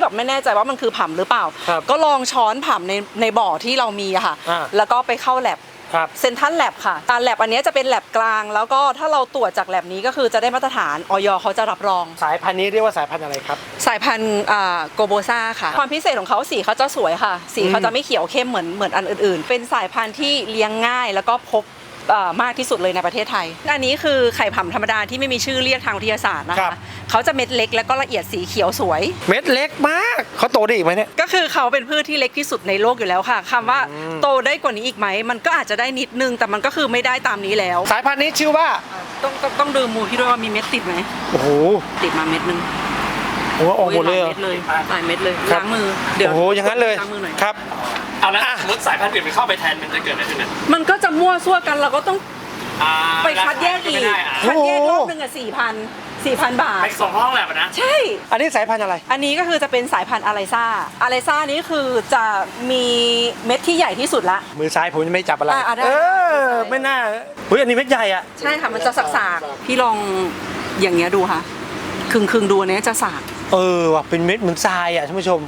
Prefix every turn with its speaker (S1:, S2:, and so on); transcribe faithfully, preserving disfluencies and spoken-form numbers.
S1: แบบไม่แน่ใจว่ามันคือผำหรือเปล่าก็ลองช้อนผำในในบ่อที่เรามีอะค่ะแล้วก็ไปเข้าแลบเซนทันแลบค่ะการแลบอันนี้จะเป็นแลบกลางแล้วก็ถ้าเราตรวจจากแลบนี้ก็คือจะได้มาตรฐานอยเขาจะรับรอง
S2: สายพันธุ์นี้เรียกว่าสายพันธุ์อะไรครับ
S1: สายพันธุ์โกโบซาค่ะความพิเศษของเขาสีเขาจะสวยค่ะสีเขาจะไม่เขียวเข้มเหมือนเหมือนอันอื่นๆเป็นสายพันธุ์ที่เลี้ยงง่ายแล้วก็พบมากที่สุดเลยในประเทศไทยอันนี้คือไข่ผำธรรมดาที่ไม่มีชื่อเรียกทางวิทยาศาสตร์นะคะเขาจะเม็ดเล็กแล้วก็ละเอียดสีเขียวสวย
S2: เม็ดเล็กมากเขาโตได้อีกไหมเนี่ย
S1: ก็คือเขาเป็นพืชที่เล็กที่สุดในโลกอยู่แล้วค่ะคำว่าโตได้กว่านี้อีกไหมมันก็อาจจะได้นิดนึงแต่มันก็คือไม่ได้ตามนี้แล้ว
S2: สายพันธุ์นี้ชื่อว่า
S1: ต้องต้องต้องดูมูพี่ด้วยว่ามีเม็ดติดไหม
S2: โอ้โห
S1: ติดมาเม็ดนึง
S2: โอ้โหหมดเลย
S1: หลายเม็ดเลยหลายเม็ดเลยล้างมือ
S2: เดี๋ยวโอ้โหอย่างนั้นเลย
S1: ล้างมือหน่อย
S2: ครับ
S3: เอาแล้วสมมติสายพันธุ์อื่นมันเข้าไปแทนมันจะเกิดอะไรขึ้น
S1: มันก็จะมั่วซั่วกันเราก็ต้องไปคัดแยกอีกคัดแยกรอบนึงอ่ะสี่พันสี่พันบาท
S3: ไปสองห้องแหละนะ
S1: ใช่
S2: อันนี้สายพันธุ์อะไร
S1: อันนี้ก็คือจะเป็นสายพันธุ์อาไรซ่าอาไรซ่านี้คือจะมีเม็ดที่ใหญ่ที่สุดละ
S2: มือซ้ายผมยังไม่จับอะไรเออไม่น่าเฮ้ยอันนี้เม็ดใหญ่อ่ะ
S1: ใช่ค่ะมันจะสากๆพี่ลองอย่างเงี้ยดูค่ะครึ่งครึ่งดูอันนี้จะสาก
S2: เออว่ะเป็นเม็ดเหมือนทรายอ่ะท่านผู้ชม